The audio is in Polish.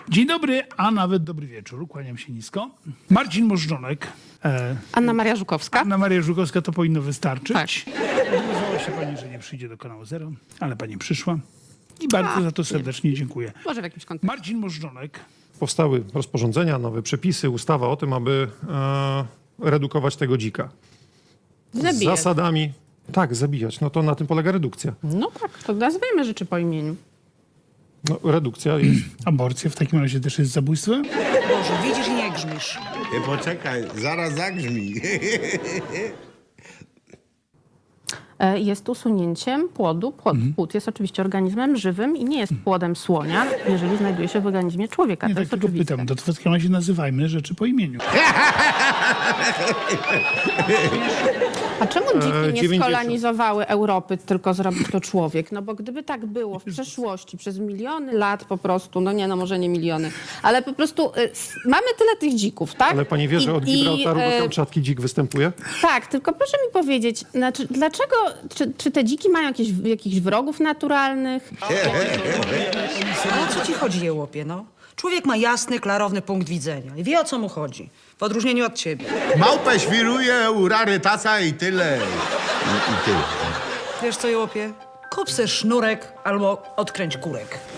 Dzień dobry, a nawet dobry wieczór. Kłaniam się nisko. Marcin Możdżonek. Anna Maria Żukowska. Anna Maria Żukowska, to powinno wystarczyć. Tak. Odmówiła się pani, że nie przyjdzie do kanału Zero, ale pani przyszła. I bardzo za to serdecznie dziękuję. Może w jakimś kontekście. Marcin Możdżonek. Powstały rozporządzenia, nowe przepisy, ustawa o tym, aby redukować tego dzika. Z Zabijać. zasadami. Tak, zabijać. No to na tym polega redukcja. No tak, to nazwijmy rzeczy po imieniu. No, redukcja jest. Aborcja w takim razie też jest zabójstwem? Boże, widzisz i nie grzmisz. Poczekaj, zaraz zagrzmi. Jest usunięciem płodu. Płód jest oczywiście organizmem żywym i nie jest płodem słonia, jeżeli znajduje się w organizmie człowieka. Nie, To tak jest tylko oczywiste. pytam. To w takim razie nazywajmy rzeczy po imieniu. A czemu dziki nie 90. skolonizowały Europy, tylko zrobił to człowiek? No bo gdyby tak było w przeszłości, przez miliony lat po prostu, no nie, no może nie miliony, ale po prostu mamy tyle tych dzików, tak? Ale pani wie, że od Gibraltaru do Kamczatki dzik występuje? Tak, tylko proszę mi powiedzieć, znaczy, dlaczego, czy te dziki mają jakichś wrogów naturalnych? Ale o co ci chodzi, jełopie, no? Człowiek ma jasny, klarowny punkt widzenia i wie, o co mu chodzi. W odróżnieniu od ciebie. Małpę świruje u rarytasa i tyle. I tyle. Wiesz co, jełopie? Kup se sznurek albo odkręć kurek.